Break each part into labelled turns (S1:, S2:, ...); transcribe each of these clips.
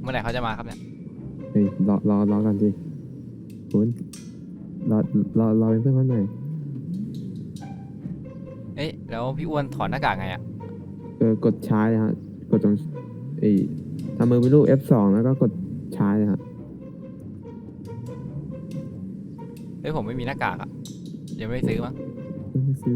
S1: เมื่อไหร่เขาจะมาครับเนี่ย
S2: เฮ้ยรอกันสิคุณรอเป็นเพื่อนเขาหน่อย
S1: เอ๊ะแล้วพี่อ้วนถอดหน้ากากไงอะ
S2: กดใช้เลยฮะกดตรงทำมือเป็นรูป F2 แล้วก็กดใช้เลยฮะ
S1: เฮ้ยผมไม่มีหน้ากากอะยังไม่ได้ซื้อมั้ง
S2: ไม่ซื้อ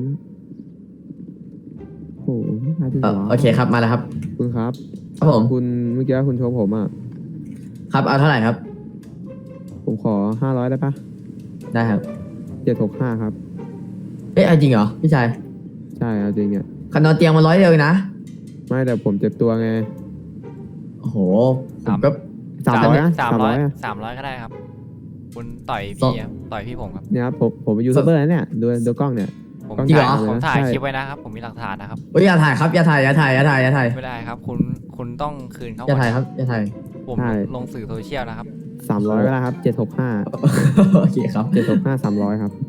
S2: โอ้ไม่ขายดีกว่า
S3: โอเคครับมาแล้วครับ
S2: คุณครับ
S3: ครับผม
S2: คุณเมื่อกี้คุณโชว์ผมอ่ะ
S3: ครับเอาเท่าไหร่ครับ
S2: ผมขอ500ได้ปะ
S3: ได้ครับ
S2: 765ครับ
S3: เอ๊ะเอาจริงเหรอพี่ชาย
S2: ใช่เอาจริงเนี่ย
S3: คันนอนเตียงมา100เดียวเองนะ
S2: ไม่แต่ผมเจ็บตัวไง
S3: โอ้โหผมก็
S2: 300นะ
S1: 300
S2: 300อะ
S1: 300ก็ได้ครับ คุณต่อย
S3: สอ
S1: พี่
S3: ง
S1: อะต่อยพี่ผมครับ
S2: เนี่ยครับผมเป็นยูทูบเบอร์นะเนี่ยดูกล้องเนี่ย
S1: ผม
S2: ต้อง
S3: จริงเหรอ
S1: ผมถ่าย
S2: ใช่
S1: คลิปไว้นะครับ ผมมีหลักฐานนะครับ
S3: เฮ้ยอย่าถ่ายครับอย่าถ่ายอย่าถ่ายอย่าถ่ายอย่าถ่าย
S1: ไม่ได้ครับ คุณต้องคืนเขา
S3: อย่า
S1: ก่อน
S3: ถ่ายครับอย่าถ่าย
S1: ผม
S2: ใช่
S1: ลงสื่อโซเชียลนะครับ
S2: 300ก็ได้ครับ765
S3: โอเคครับ
S2: 765 300ครับ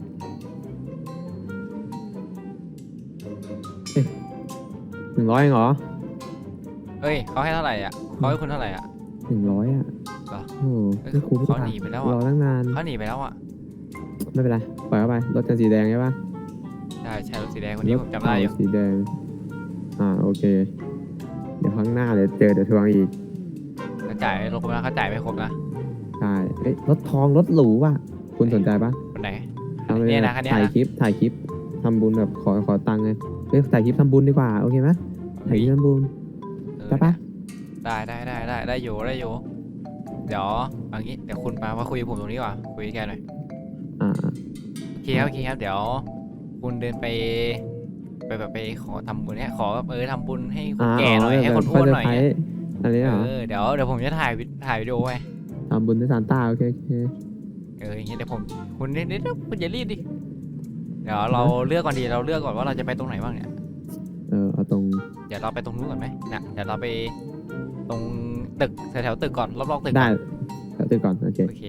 S2: 100เองเหรอ
S1: เอ้ยเขาให้เท่าไหร่อ่ะเขาให้คุณเท่าไหร่อ่ะ
S2: 100อ่ะ
S1: เหรอ
S2: โอ้โห
S1: เอ้ย
S2: ไม่คุ้ม
S1: เขาหนีไปแล้วอะ
S2: รอตั้งนาน
S1: เขาหนีไปแล้วอ่ะ
S2: ไม่เป็นไรปล่อยเข้าไปรถคันสีแดงใช่ปะ
S1: ใช่รถสีแดงคนนี้ผมจำได้อยู่
S2: สีแดงโอเค เดี๋ยวข้างหน้าเดี๋ยวทวงอีก
S1: เขาจ่ายไม่ครบนะเขาจ่ายไม่ครบนะ
S2: ใช่เอ้ยรถทองรถหรูว่ะคุณสนใจปะ
S1: คนไหน
S2: ทำ
S1: เนี่ยนะคันเนี้ย
S2: ถ่าย
S1: นะ
S2: คลิปทำบุญแบบขอตังค์ไงเฮ้ยถ่ายคลิปทำบุญดีกว่าโอเคไหมถ่ายคลิปทำบุญ ได้ปะ
S1: ได้อยู่เดี๋ยวเอางี้เดี๋ยวคุณมาคุยกับผมตรงนี้ก่อนคุยกับแกหน่อย
S2: อ่า
S1: โอเคครับเดี๋ยวคุณเดินไปแบบไปขอทำบุญเนี่ยขอแบบทำบุญให้คนแก่หน่อยให้คนอ้วนหน่อยเนี่ย
S2: อันนี้เหรอ
S1: เดี๋ยวผมจะถ่ายวิดีโอไว้
S2: ทำบุญด้วยซานต้าโอเค
S1: อย่างเงี้ยเดี๋ยวผมคุณนิดคุณอย่ารีบดิเดี๋ยวเราเลือกก่อนว่าเราจะไปตรงไหนบ้างเนี่ย
S2: เอาตรง
S1: เดี๋ยวเราไปตรงนู้นก่อนไหมนะเดี๋ยวเราไปตรงตึกแถวตึกก่อนรอบๆตึก
S2: ได้
S1: ก่อน
S2: เอาตื่นก่อนโอเค
S1: โอเค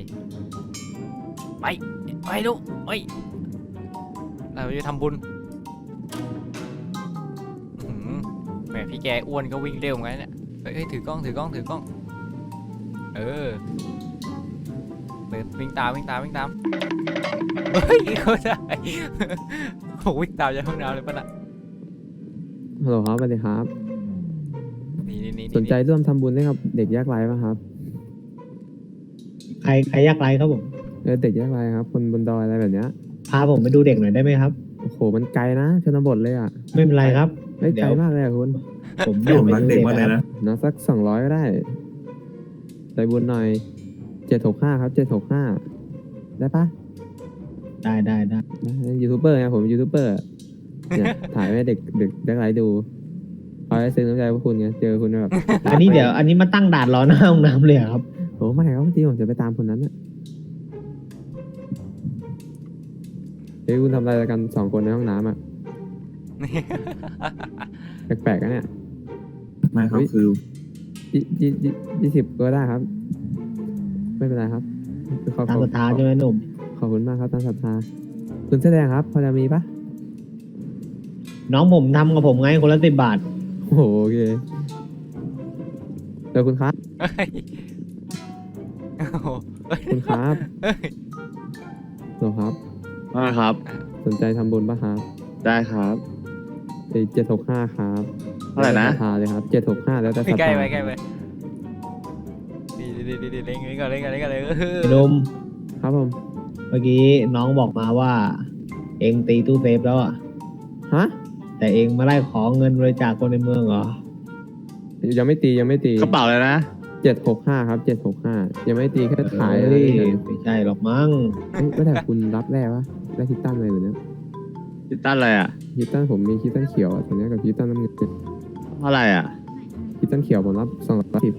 S1: ไปดูเราจะทำบุญอื้อหือแหมพี่แกอ้วนก็วิ่งเร็วเหมือนกันเนี่ยเฮ้ยถือกล้องเดินวิ่งตามเฮ้ยเขาได้โอ้วิ่งตามจากห้องน้ำเลยป่ะน่ะ
S2: ฮัลโหลครับสวัสดีครับ
S1: นี่
S2: สนใจร่วมทำบุญให้กับเด็กยากไร้ป่ะครับ
S4: ใครยากไร้ครับผม
S2: เด็กยากไร้ครับคนบนดอยอะไรแบบเนี้ย
S4: พาผมไปดูเด็กหน่อยได้ไหมครับ
S2: โอ้โหมันไกลนะชนบทเลยอ่ะ
S4: ไม่เป็นไรครับ
S2: เฮ้ย
S4: เดี๋
S2: ไกล
S4: ยว
S2: มากเลยอ่ะคุณ
S4: ผม
S5: ผมรักเด็กมากเลยนะ
S2: นะสัก200ก็ได้ใจบุญหน่อย765ครับ765ได้ปะ
S4: ได้
S2: ยูทูบเบอร์ไงผมยูทูบเบอร์เนี่ย ถ่ายให้เด็กยากไร้ดูเอาไว้ซื้อน้ำใจพวกคุณไงเจอคุณแบบ
S4: อันนี้มาตั้งด่านรอหน้าห้องน้ำเลยเหรอครับ
S2: โอ้ไม่ครับที่ผมจะไปตามคนนั้นน่ะเฮ้ยคุณทำอะไรกัน2 คนในห้องน้ำอ่ะ แปลกๆนะเนี่ย
S5: ไม่ครับคือ
S2: 20ก็ได้ครับ ไม่เป็นไรครับคือ
S4: ตามศรัทธาใช่ไหมหนุ่ม
S2: ขอบคุณมากครับตามศรัทธาคุณแสดงครับพอจะมีปะ
S4: น้องผมทำกับผมไงคนละ10 บาท
S2: โอ้โหโอเคเดี๋ยวคุณครับ
S1: เฮ้ยโอ้โห
S2: คุณครับเหรอครับ
S5: ว่าครับ
S2: สนใจทำบุญปะครับ
S5: ได้ครับ
S2: 765ครับ
S5: เท่าไหร่นะ
S2: ศรัทธาเลยครับ765แล้วแต่ศรัท
S1: ใกล้
S2: ธา
S1: ไปดีเล่นก่อนเลย
S4: หนุ่ม
S2: ครับผม
S4: เมื่อกี้น้องบอกมาว่า เองตีตู้เซฟแล้วอ่ะ
S2: ฮะ
S4: แต่เองมาไล่ขอเงินบริจาคคนในเมืองเหรอ
S2: ยังไม่ตี
S5: กระเป๋าเลยนะ
S2: 765ครับ765ยังไม่ตีแค่ขาย
S4: เฮ้
S2: อะไร
S4: ย
S2: เฉย
S4: ไม่ใช่หรอกมั้ง
S2: ก็แต่คุณรับแร่ปะได้คิตตันอะไรแบบเนี้ย
S5: ติดตั้นอะไรอ่ะ
S2: คิตตันผมมีคิตตันเขียวอะตอนนี้กับคิตตันน้ำเงิน
S5: เท่าไหร่อ่ะ
S2: คิตตันเขียวผมรับ210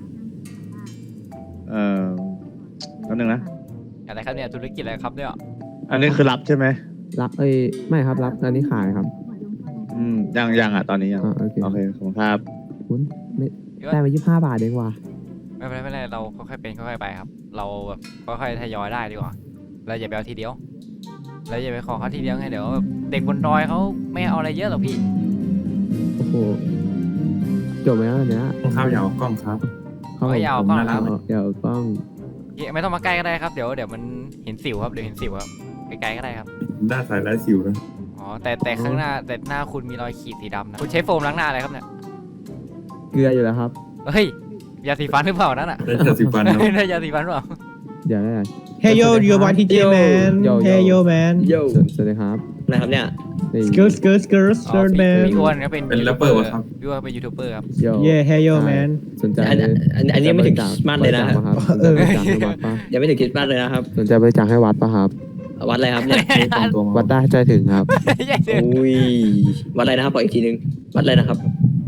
S5: แป๊บนึงนะ
S1: อะไรครับเนี่ยธุรกิจอะไรครับเนี่ย
S5: อันนี้คือรับใช่ไหม
S2: รับไม่ครับรับอันนี้ขายครับ
S5: ยังอ่ะตอนนี้ยัง
S2: โอเค
S5: โอเคขอบคุณครับ
S2: คุณไม่ได้มา25 บาทเองว่ะ
S1: ไม่เป็นไรเราค่อยๆเป็นค่อยๆไปครับ เราแบบค่อยๆทยอยได้ดีกว่าเราอย่าไปเอาทีเดียวเราอย่าไปขอเขาทีเดียวไงเดี๋ยวแบบเด็กบนดอยเขาไม่เอาอะไรเยอะหรอกพี่
S2: โอ้โหจบไหมครับอันเนี้ย
S5: ต้องข้าวยาวกล้องครับ
S2: ครับ
S1: ไม่เอา
S2: ผม
S1: กล้องนะครับ
S2: เดี๋ยวกล้อง
S1: ไม่ต้องมาใกล้ก็ได้ครับเดี๋ยวมันเห็นสิวครับเดี๋ยวเห็นสิวครับไกลๆก็ได้ครับ
S6: หน้าสายไร้สิวนะ
S1: อ๋อแต่ข้างหน้าแต่หน้าคุณมีรอยขีดสีดำนะคุณใช้โฟมล้างหน้าอะไรครับเนี่ย
S2: เกลืออยู่แล้วครับ
S1: เฮ้ยยาสีฟันหรือเปล่านั่นอ่ะ
S6: ได้แค่สิบวันครับ
S1: ได้ยาสีฟันหรือเปล่า
S2: เดี๋ยวได้
S4: Hey yo you want TJ man Hey yo man
S2: สวัสดีครับ
S7: นะครับเนี่ย
S2: นี่
S4: Skirt skirt skirt
S1: อ๋อ
S4: skirt
S1: พี่
S4: man
S1: พี่อ้วนก็เป็น
S6: เป็นแรปเปอร์วะครับ
S1: พี่อ้วนเป็นยูทูบเบอร์ครับ
S2: โย
S4: Yeah Hey yo man
S2: สนใจ
S7: อันนี้ไม่ถึงคริสต์มาสเลยนะ
S2: บริจาคปครับสนใจบริจาคให้วัดปะ
S7: ยังไม่ถึงคริสต์มาสเลยนะครับ
S2: สนใจบริจาคให้วัดปะครับ
S7: วัดอะไรครับเนี่ย
S6: ไม่ตรงตัวมา
S2: วัดได้ใจถึงครับ
S7: อุ้ยวัดอะไรนะครับบอกอีกทีนึงวัดอะไรนะครับ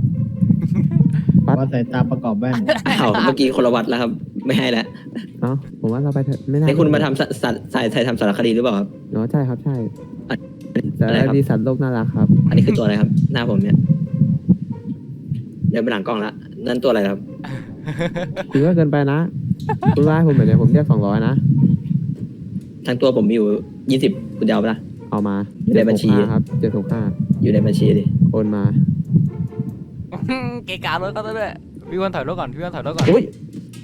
S4: วัดสายตาประกอบแว่น
S7: อ้าวเมื่อกี้คนละวัดแล้วครับ ไม่ให้แล้ว
S2: เอ้าผมว่าเราไปเถอะไม่น่า
S7: ให้คุณมาทำสายทำสารคดีหรือเปล่าครับ
S2: เนาะใช่ครับใช่
S7: อะ
S2: แต่
S7: อะไรครับ
S2: ดีสัตว์โลกน่ารักครับ
S7: อันนี้คือตัวอะไรครับ หน้าผมเนี่ยเดินไปหลังกล้องละนั่นตัวอะไรครับ
S2: คุณก็เกินไปนะ คุณว่าให้ผมแบบนี้ผมเรียก200นะ
S7: ทั้งตัวผมมีอยู่20คุณจะเอาปะล่ะ
S2: เอามา
S7: อยู่ในบัญชี
S2: 765ครับ765
S7: อยู่ในบัญชีดิ
S2: โอนมา
S1: เกะกะรถก็ต้องด้วยพี่อ้วนถอยรถก่อนพี่อ้วนถอยรถก่อน
S2: อุ้ย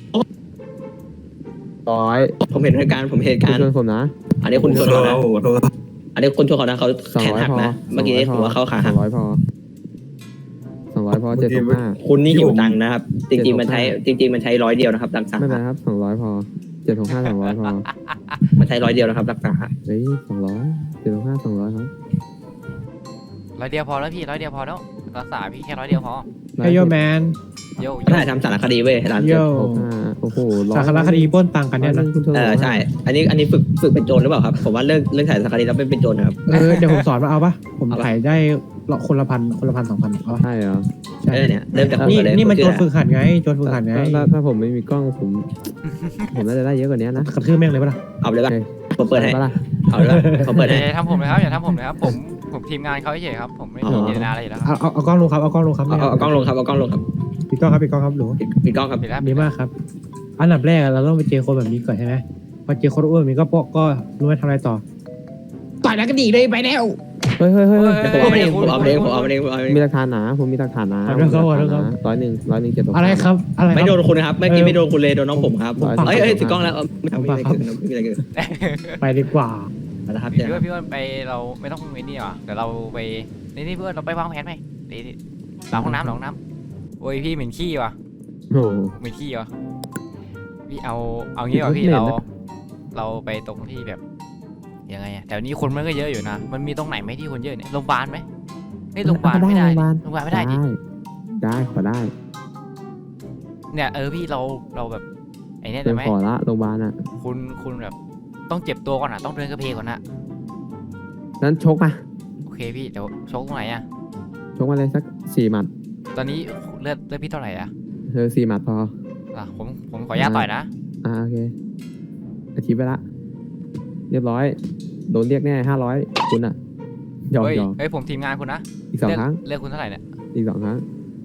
S2: 100
S7: ผมเห็นเหตุการณ์ผมเห็นเหตุ
S2: คุ
S7: กา
S2: ณ
S7: รณ์
S2: ชวนผมนะ
S7: อันนี้คุณชวนเขานะ
S6: โอ้โหโทษ
S7: อันนี้คุณชวนเขานะเขาแขนหัก
S2: 200พอ
S7: นะเมื่อกี้ผมว่าเขาขาหัก
S2: 200พอ200พอ765
S7: คุณนี่หิวตังค์นะครับ จริงๆมันใช้100 เดียวนะครับรักษา
S2: ไม่เป็นไรครับ200พอ765 200พอ
S7: มันใช้100 เดียวนะครับรักษา
S2: เฮ้ย200 765 200ครับ
S1: ร้อยเดียวพอแล้วพี่ร้อยเดียวพอแล้วรักษาพี่แค่ร้อยเดียวพอ
S4: Hey yo man
S1: โย
S7: ถ่ายทำสารคดีเว้ยร้านเกม
S4: Yo
S2: 65โอ้โห
S4: สารคดีปล้นตังค์กันเนี่ยนะ
S2: คุณชวนผม
S7: ใช่ อันนี้ฝึกเป็นโจรหรือเปล่าครับ ผมว่าเลิกถ่ายสารคดีแล้วเป็นโจรนะครับ
S4: เดี๋ยวผมสอนมาเอาปะผม
S7: เอาปะ
S4: ถ่ายได้คนละพัน2,000เอาปะ
S2: ใช่เหรอ
S4: ใช่
S7: เนี่ยเริ่มจาก
S4: นี่
S7: หัวเลย
S4: นี่มันโจร
S7: ผ
S4: ฝึ
S7: ชื่
S4: กหัดไงโจรฝึกหัดไง
S2: ถ้าผมไม่มีกล้องผมน่าจะได้เยอะกว่านี้นะ
S4: กระทืบแม่งเลยปะล่ะ
S7: เอาเลยป่ะ
S2: โอเค
S7: ผมเปิดให้
S2: ปะล่ะ
S7: เอาเลยป่ะเขาเปิดให้
S1: อย่าทำผมเลยครับอย่าทำผมเลยครับผมทีมงานเขาเฉยๆครับผมไม่มีเจตนาอะไรอยู่แล้วครับ
S4: เอากล้องลงครับเอากล้องลงครับ
S7: เอากล้องลงครับเอากล้องลงครับ
S4: ปิดกล้องครับปิดกล้องครับหนู
S7: ปิดกล้องครับ
S1: ปิดแล้ว
S4: ดีมากครับ อันดับแรกเราต้องไปเจอคนแบบนี้ก่อนใช่ไหมพอเจอคนอ้วนแบบนี้ก็รู้ว่าทำอะไรต่อต่อยแล้วก็ดีเลยไปแล้ว
S2: เฮ้ย
S7: ผมเอาเองผมเอาเองผมเอาเองผมเอาเอง
S2: มีหลักฐานหนาผมมีหลักฐานหนา
S4: เอาเรื่องเขาเอาเรื่องเขา
S2: 100 765
S4: อะไรครับอะไร
S7: ไม่
S4: ค
S7: โด
S4: รับ
S7: นคุณนะครับเมื่อกี้ไม่โดนคุณเลยโดนน้องผมครับ
S2: ผม
S7: เอ้ยถือกล้องแล้วไม่มีอะไรเกิดไม่มีอะไรเกิด
S4: ไปดีกว่า
S7: นะครับ
S1: พี่อ้วนไปเราไม่ต้องไปนี่หรอเดี๋ยวเราไปนี่พี่อ้วนเราไปวางแผนไหมนี่หลังห้องน้ำโอ้ยพี่เหม็นขี้ว่ะ
S2: โอ้โห
S1: เหม็นขี้ว่ะพี่เอางี้ว่ะพี่
S2: เหม็นนะ
S1: เราไปตรงที่แบบยังไงอะแถวนี้คนมันก็เยอะอยู่นะมันมีตรงไหนไหมที่คนเยอะเนี่ยโรงพยาบาลไหมไม่โรงพยาบาลไม่ได้
S2: โรงพยาบาล
S1: ไม่ได้ดิ
S2: ได้ขอได้
S1: เนี่ยพี่เราแบบไอ้เนี่ย
S2: เป็
S1: ได้
S2: น
S1: ไหม
S2: ขอละโรงพยาบาลอ่ะ
S1: คุณแบบต้องเจ็บตัวก่อนอ่ะต้องเดินกระเพกก่อนนะ
S2: นั้นชกมา
S1: โอเคพี่เดี๋ยวชกตรงไหนอ่ะ
S2: ชกมาเลยสัก4 หมัด
S1: ตอนนี้เลือดพี่เท่าไหร่อ่ะ
S2: 4 หมัดพอ
S1: ผมขออนุญาตต่อยนะ
S2: โอเคอาชีพไปละเรียบร้อยโดนเรียกแน่500คุณอ่ะหยอก
S1: เฮ้ยผมทีมงานคุณนะ
S2: อีก2 ครั้ง
S1: เลือกคุณเท่าไหร่เนี่ย
S2: อีก2 ครั้ง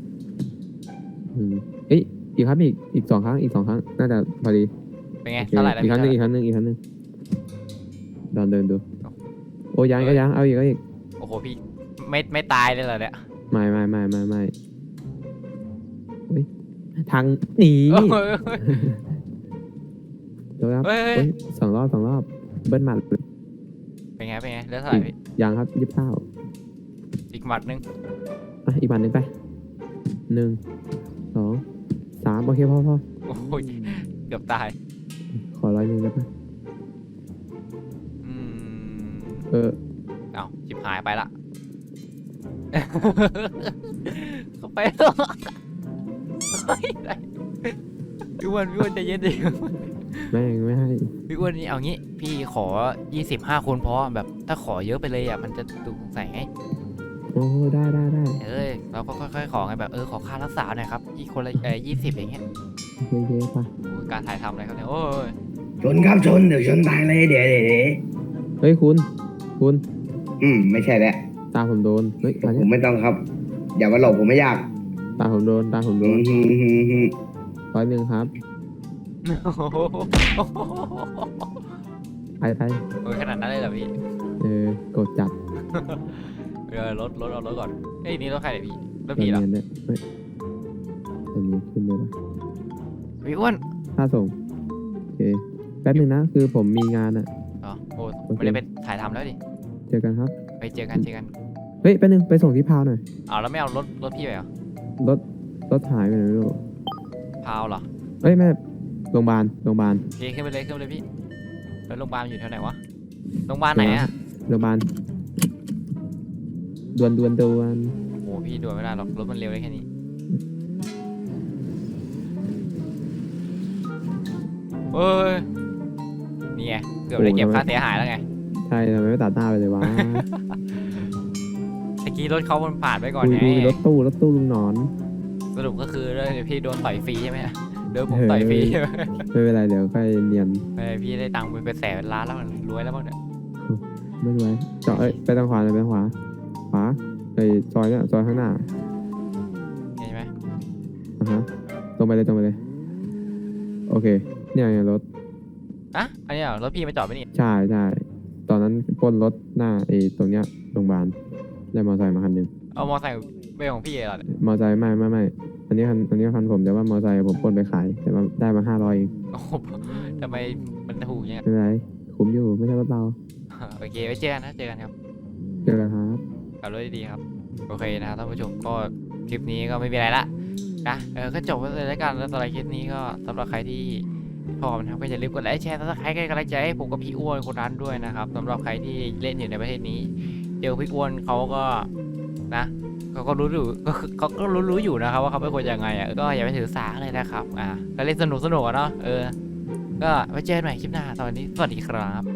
S2: เอ้ยอีกครับอีก2 ครั้งอีก2 ครั้งน่าจะพอดี
S1: เป็นไง
S2: โอเค
S1: เท่าไหร่แล้ว
S2: อีกครั้งหนึง
S1: พี่
S2: อีกครั้งหนึงอีกครั้งหนึงลองเดินดูโอ้ยังก็ยังเอาอีกก็อีก
S1: โอ้โหพี่ไม่ตายเลยเหรอเนี่ย
S2: ไม่โอ้ยทางหนี
S1: โอ้ย
S2: เดี๋ยวครับ
S1: เฮ้ย
S2: โอ้ย2 รอบเบิ้ลหมัดเลย
S1: เป็นไงเลือดเท่าไหร่พี่
S2: ยังครับ29
S1: อีกหมัดนึง
S2: อีกหมัดหนึ่งไป1 2 3โอเคพอ
S1: โอ้ยเกือบตาย
S2: ขอ100ได้ปะ
S1: อืม
S2: เออ
S1: เอาชิบหายไปละ เข้าไปแล้วเฮ้ยได้พี่อ้วนใจเย็นดิ
S2: แม่งไม่ให้
S1: พี่อ้วนนี่เอางี้พี่ขอ25 คนเพราะแบบถ้าขอเยอะไปเลยอ่ะมันจะดูสงสัยไง
S2: โอ้ได้
S1: เราก็ค่อยๆขอไงแบบขอค่ารักษาหน่อยครับอีกคนละ20อย่างเงี้ย
S2: เยอะๆปะ
S1: โอ้ยการถ่ายทำอะไรครับเนี่ยโอ้ย
S8: ชนครับชนเดี๋ยวชนตายเลยเดี๋ยว
S2: เฮ้ยคุณ
S8: ไม่ใช่แล้ว
S2: ตาผมโดนเฮ้ยมา
S8: ผ
S2: เนี่ย
S8: มไม่ต้องครับ อย่ามาหลอกผมไม่อยาก
S2: ตาผมโดน
S8: อืม
S2: 100ครับ
S1: โอ้โห
S2: ไป
S1: โอ้ยขนาดนั้นเลยเหรอพี่
S2: กดจัด
S1: รถเอารถก่อนเอ้ยนี่รถใครเนี่ยพี่รถพี่เหรอ
S2: เนียนๆด้วยเฮ้ยตัวนี้ขึ้นเลยปะ
S1: พี่อ้วน
S2: ค่าส่งโอเคแป๊บนึงนะคือผมมีงานอะ
S1: อ๋อโอ้
S2: โอเค
S1: ไม่ได้ไปถ่ายทำแล้วดิ
S2: เจอกันครับ
S1: ไปเจอกันเจอกัน
S2: เฮ้ยแป๊บนึงไปส่งที่พาวหน่อย
S1: อ้าวแล้วไม่เอารถพี่ไปเหรอ
S2: รถรถหายไปไหนไม่รู้
S1: พาวเหรอ
S2: เอ้ยแม่โรงพยาบาล
S1: โอเคขึ้นไปเลยพี่แล้วโรงพยาบาลอยู่แถวไหนวะโรงพยาบาลไหนอะ
S2: โรงพยาบาลด่วน
S1: โอ้พี่ด่วนไม่ได้หรอกรถมันเร็วได้แค่นี้เอ้ยนี่ไงเกือบได้เก็บค่าเสียหายแล้วไง
S2: ใช่ทำไมไม่ตัดหน้าไปเลยวะ
S1: ตะกี้รถเขามันผ่านไปก่อน
S2: ดู
S1: ไง
S2: รถตู้ลุงหนอน
S1: สรุปก็คือเดี๋ยวพี่โดนต่อยฟรีใช่ไหมเดี๋ยวผมต่อยฟรีใช่ไหม
S2: ไม่เป็นไรเดี๋ยวค่อยเนียน
S1: พี่ได้ตังค์เป็นแสนเป็นล้านแล้วมันรวยแล้วบ้างเนี่ย
S2: ไม่เป็นไรเจาะไปทางขวาเลยไปทางขวาไอ้ซอยเนี่ยซอยข้างหน้า
S1: เห็นไหม
S2: ฮะตรงไปเลยโอเคเนี่ยไงรถ
S1: อ่ะอันนี้เหรอรถพี่มาจอดไปนี่
S2: ใช่ตอนนั้นปล้นรถหน้าไอ้ตรงเนี้ยโรงพยาบาลได้มอเตอร์ไซค์มาคันหนึง
S1: เอามอไซค์ไปของพี่เหรอเนี่ย
S2: มอเตอร์ไซค์ไม่อันนี้คันผมแต่ว่ามอเตอร์ไซค์ผมปล้นไปขายแต่ว่าได้มา500เอง
S1: โอ้โหทำไมมันถูกอย่างเงี้ย
S2: ไม่เป็นไรคุ้มอยู่ไม่ใช่รถเรา
S1: โอเคไว้เจอกันนะเจอกันครับ
S2: เจอกันครับ
S1: ขับรถดีๆครับโอเคนะครับท่านผู้ชมก็คลิปนี้ก็ไม่มีอะไรละนะก็จบไปเลยแล้วกันแล้วสำหรับคลิปนี้ก็สำหรับใครที่พร้อมนะครับก็อย่าลืมกดไลค์แชร์ถ้าใครก็กำลังใจให้ผมกับพี่อ้วนคนนั้นด้วยนะครับสำหรับใครที่เล่นอยู่ในประเทศนี้เจอพี่อ้วนเขาก็นะเขาก็รู้อยู่เขาก็รู้อยู่นะครับว่าเขาเป็นคนยังไงอ่ะก็อย่าไปถือสาเลยนะครับก็เล่นสนุกอะเนาะก็ไว้เจอกันใหม่คลิปหน้าตอนนี้สวัสดีครับ